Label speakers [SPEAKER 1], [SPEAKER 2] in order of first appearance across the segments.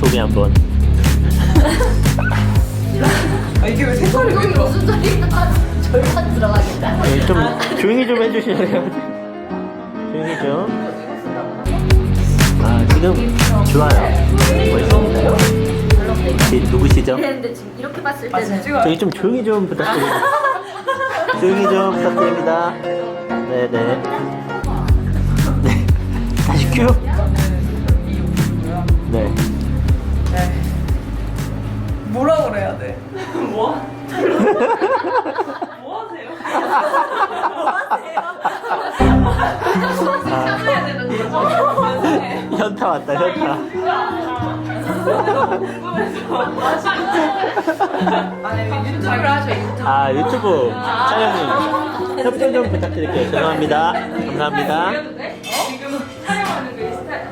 [SPEAKER 1] 소개 한번.
[SPEAKER 2] 아 이게 왜 색깔이 왜 이러?
[SPEAKER 3] 무슨 소리야? 절반 들어가겠다.
[SPEAKER 1] 네, 좀 조용히 좀 해주실래요? 조용히 좀. 아 지금 좋아요. 멋있습니다. 누구시죠?
[SPEAKER 3] 그랬는데 지금 이렇게 봤을
[SPEAKER 2] 아
[SPEAKER 3] 때는
[SPEAKER 2] 지금
[SPEAKER 1] 저기 좀 조용히 좀 부탁드립니다. 조용히 좀 부탁드립니다. 네네. 네. 다시 큐. 네.
[SPEAKER 2] 뭐라 그래야 돼? 뭐? 뭐 하세요? 해야 되는 거죠?
[SPEAKER 1] 현타 왔다 현타.
[SPEAKER 2] 아니 유튜브를 하셔 유튜브.
[SPEAKER 1] 아 유튜브 촬영님 협조 좀 부탁드릴게요. 죄송합니다. 감사합니다.
[SPEAKER 2] 지금 촬영하는 그 스타일.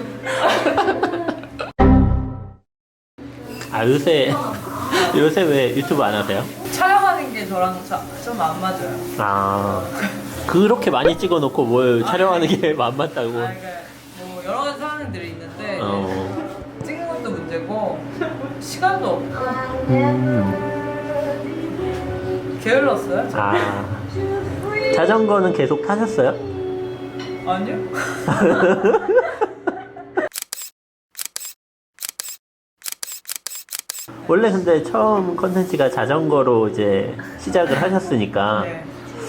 [SPEAKER 1] 아 요새 왜 유튜브 안 하세요?
[SPEAKER 2] 촬영하는 게 저랑 좀 안 맞아요.
[SPEAKER 1] 아 그렇게 많이 찍어놓고 뭘 촬영하는 게 안 맞다고.
[SPEAKER 2] 아, 그러니까 뭐 여러 가지 상황들이 있는데
[SPEAKER 1] 어.
[SPEAKER 2] 찍는 것도 문제고 시간도 없고 게을렀어요?
[SPEAKER 1] 아 자전거는 계속 타셨어요?
[SPEAKER 2] 아니요.
[SPEAKER 1] 원래 근데 처음 컨텐츠가 자전거로 이제 시작을 하셨으니까
[SPEAKER 2] 네.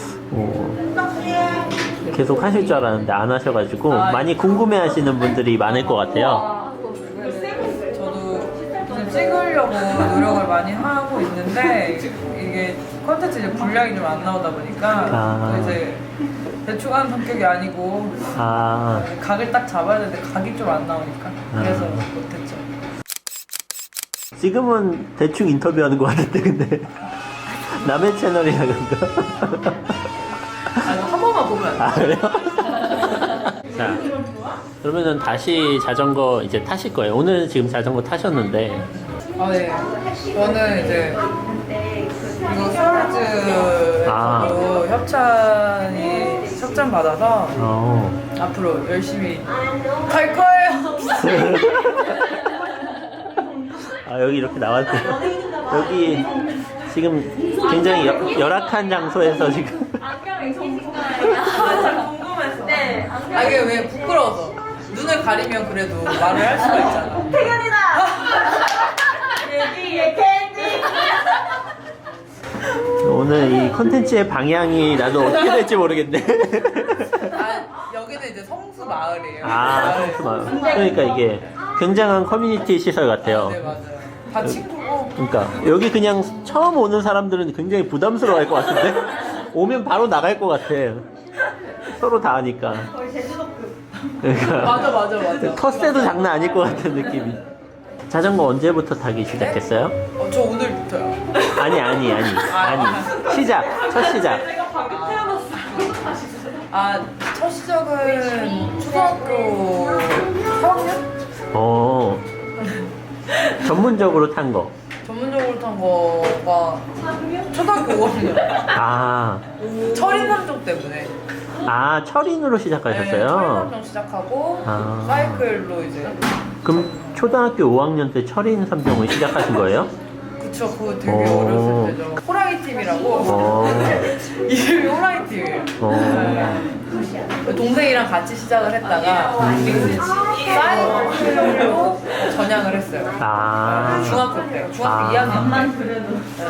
[SPEAKER 1] 계속 하실 줄 알았는데 안 하셔가지고 많이 궁금해하시는 분들이 많을 것 같아요.
[SPEAKER 2] 저도 지금 찍으려고 노력을 많이 하고 있는데 이게 컨텐츠 이제 분량이 좀 안 나오다 보니까 또 이제 대충 하는 성격이 아니고
[SPEAKER 1] 아,
[SPEAKER 2] 각을 딱 잡아야 되는데 각이 좀 안 나오니까 그래서 못했죠.
[SPEAKER 1] 지금은 대충 인터뷰하는 것 같은데 근데 남의 채널이라 그런가?
[SPEAKER 2] 아니 한 번만 보면 안 돼.
[SPEAKER 1] 아 그래요? 자 그러면은 다시 자전거 이제 타실 거예요. 오늘 지금 자전거 타셨는데
[SPEAKER 2] 아 네. 저는 이제 이거 스월즈로 협찬 받아서 앞으로 열심히 갈 거예요.
[SPEAKER 1] 아 여기 이렇게 나왔대요. 여기 지금 굉장히 열악한 장소에서 지금
[SPEAKER 3] 안경이 궁금해요.
[SPEAKER 2] 잘 궁금해서. 네. 아 이게 왜 부끄러워서 눈을 가리면 그래도 말을 할 수가 있잖아.
[SPEAKER 3] 태연이다. 얘기의 캔디.
[SPEAKER 1] 오늘 이 컨텐츠의 방향이 나도 어떻게 될지 모르겠네.
[SPEAKER 2] 아 여기는 이제 성수 마을이에요.
[SPEAKER 1] 아 성수마을. 그러니까 이게 굉장한 커뮤니티 시설 같아요.
[SPEAKER 2] 네 맞아요. 다 친구고.
[SPEAKER 1] 그러니까 여기 그냥 처음 오는 사람들은 굉장히 부담스러워할 것 같은데 오면 바로 나갈 것 같아. 서로 다 아니까.
[SPEAKER 3] 거의 제주도급.
[SPEAKER 1] 그러니까
[SPEAKER 2] 맞아.
[SPEAKER 1] 텃세도 장난 아닐 것 같은 느낌이. 자전거 언제부터 타기 시작했어요?
[SPEAKER 2] 저 오늘부터요.
[SPEAKER 1] 아니 시작 첫 시작.
[SPEAKER 2] 첫 시작은 초등학교 3학년?
[SPEAKER 1] 전문적으로 탄 거.
[SPEAKER 2] 전문적으로 탄 거가 초등학교 5학년.
[SPEAKER 1] 아
[SPEAKER 2] 철인 3종 때문에.
[SPEAKER 1] 철인으로
[SPEAKER 2] 네,
[SPEAKER 1] 시작하셨어요?
[SPEAKER 2] 철인 3종 시작하고
[SPEAKER 1] 아.
[SPEAKER 2] 사이클로 이제.
[SPEAKER 1] 그럼 초등학교 5학년 때 철인 3종을 시작하신 거예요?
[SPEAKER 2] 그쵸, 그거 되게
[SPEAKER 1] 오.
[SPEAKER 2] 어렸을 때죠. 호랑이 팀이라고. 이름이 호랑이 팀이에요. 네. 동생이랑 같이 시작을 했다가 사이클로 전향을 했어요. 중학교 때, 중학교 2학년 때.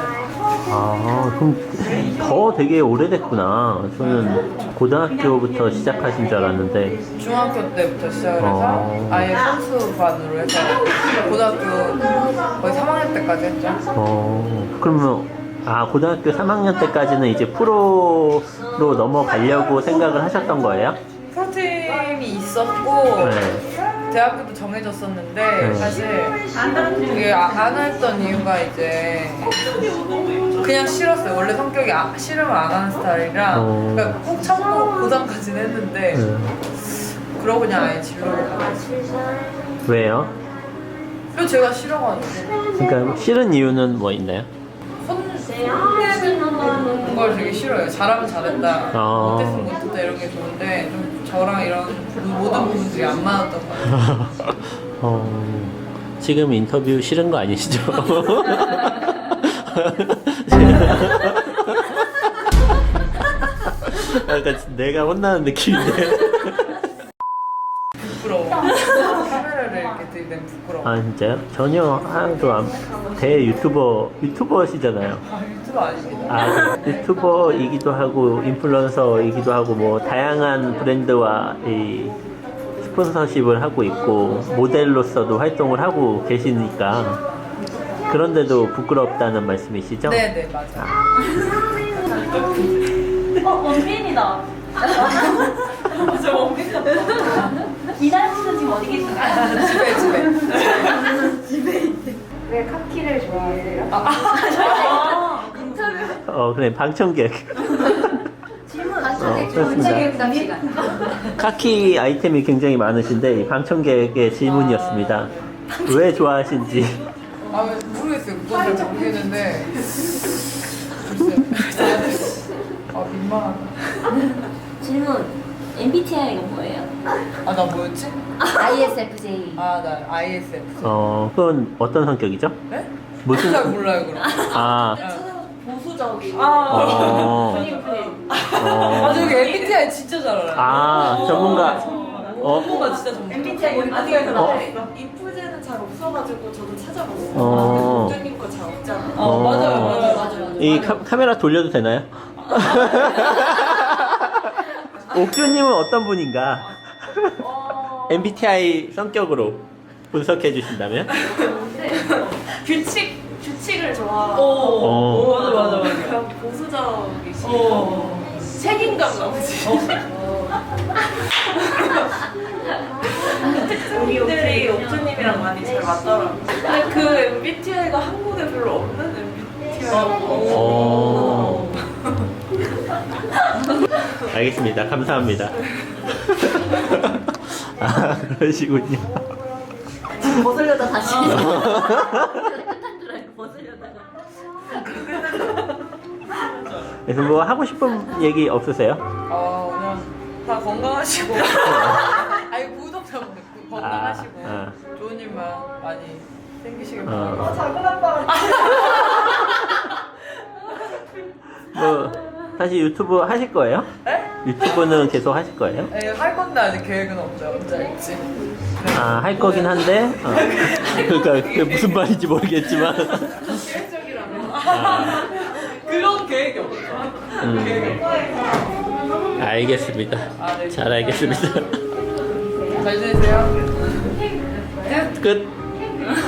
[SPEAKER 1] 그럼 더 되게 오래됐구나. 저는 고등학교부터 시작하신 줄 알았는데.
[SPEAKER 2] 중학교 때부터 시작을 해서 아예 선수반으로 해서 고등학교 거의 3학년 때까지 했죠.
[SPEAKER 1] 그러면 고등학교 3학년 때까지는 이제 프로로 넘어가려고 생각을 하셨던 거예요?
[SPEAKER 2] 프로팀이 있었고
[SPEAKER 1] 네.
[SPEAKER 2] 대학교도 정해졌었는데
[SPEAKER 1] 네.
[SPEAKER 2] 사실 이게 안 했던 이유가 이제 그냥 싫었어요. 원래 성격이 싫으면 안 하는 스타일이라 그러니까 꼭 참고 고등까지는 했는데 그러고 그냥 아예 진로로 가봤어요.
[SPEAKER 1] 왜요?
[SPEAKER 2] 그리고 제가 싫어가지고
[SPEAKER 1] 그러니까 싫은 이유는 뭐 있나요?
[SPEAKER 2] 혼내는 걸 되게 싫어요. 잘하면 잘했다, 못했으면 못했다 이런 게 좋은데 좀 저랑 이런 모든 부분들이 안 맞았던 것 같아요.
[SPEAKER 1] 지금 인터뷰 싫은 거 아니시죠? 약간 내가 혼나는 느낌인데.
[SPEAKER 2] 부끄러워. 카메라를 이렇게 들이대면 부끄러워.
[SPEAKER 1] 아 진짜요? 전혀 하나도 안. 대 유튜버시잖아요.
[SPEAKER 2] 아, 유튜브 아닙니다.
[SPEAKER 1] 아 유튜버이기도 하고 인플루언서이기도 하고 뭐 다양한 브랜드와 이 스폰서십을 하고 있고 모델로서도 활동을 하고 계시니까 그런데도 부끄럽다는 말씀이시죠?
[SPEAKER 2] 네네 맞아.
[SPEAKER 3] 원빈이다. 맞아, 원빈이다. 이날 씨는 지금 어디 계신가요?
[SPEAKER 2] 집에.
[SPEAKER 3] 왜 카키를 좋아하세요?
[SPEAKER 1] 그래 방청객.
[SPEAKER 3] 질문
[SPEAKER 1] 그렇습니다. 카키 아이템이 굉장히 많으신데 이 방청객의 질문이었습니다. 왜 좋아하신지.
[SPEAKER 2] 아 모르겠어요. 그건 잘 모르겠는데. 글쎄. 아 민망하다.
[SPEAKER 3] 질문. MBTI가 뭐예요?
[SPEAKER 2] 아 나 뭐였지?
[SPEAKER 3] ISFJ.
[SPEAKER 2] 아 나 ISF.
[SPEAKER 1] 그건 어떤 성격이죠?
[SPEAKER 2] 네?
[SPEAKER 1] 무슨?
[SPEAKER 2] 잘 몰라요 그럼.
[SPEAKER 1] 아,
[SPEAKER 3] 보수적이고.
[SPEAKER 1] 어,
[SPEAKER 2] 아 저기 MBTI 진짜 잘 알아요.
[SPEAKER 1] 아 전문가.
[SPEAKER 2] 전문가 진짜 전문가.
[SPEAKER 3] MBTI
[SPEAKER 4] 아직에서
[SPEAKER 1] 어?
[SPEAKER 4] 나와 있어. 이프제는 잘 없어가지고 저도 찾아봤어요. 국장님 거 잘 없잖아.
[SPEAKER 2] 맞아요.
[SPEAKER 1] 이 카메라 돌려도 되나요? 옥주님은 어떤 분인가? MBTI 성격으로 분석해 주신다면?
[SPEAKER 4] 규칙을 좋아하고
[SPEAKER 1] 어.
[SPEAKER 2] 맞아.
[SPEAKER 4] 그냥 보수적이시고 책임감 넘치시고 특징들이 옥주님이랑 많이 잘 맞더라고요. 근데 그 MBTI가 한국에 별로 없는 MBTI고
[SPEAKER 1] 어. 알겠습니다. 감사합니다. 아, 그러시군요.
[SPEAKER 3] 벗으려다 다시. 끝난 줄 알고 벗으려다가.
[SPEAKER 1] 그래서 뭐 하고 싶은 얘기 없으세요?
[SPEAKER 2] 그냥 다 건강하시고. 아니 구독자분들 건강하시고 좋은 일만 많이 생기시길 바랍니다.
[SPEAKER 4] 작은 아빠가
[SPEAKER 1] 뭐 다시 유튜브 하실 거예요?
[SPEAKER 2] 네?
[SPEAKER 1] 유튜브는 계속 하실 거예요?
[SPEAKER 2] 네, 할 건데 아직 계획은 없죠. 언제 할지.
[SPEAKER 1] 아, 할 거긴 한데. 그러니까 그게 무슨 말인지 모르겠지만.
[SPEAKER 2] 그런 계획이 없죠. 계획이 없죠.
[SPEAKER 1] 알겠습니다.
[SPEAKER 2] 네.
[SPEAKER 1] 잘 알겠습니다.
[SPEAKER 2] 잘 지내세요.
[SPEAKER 1] 끝.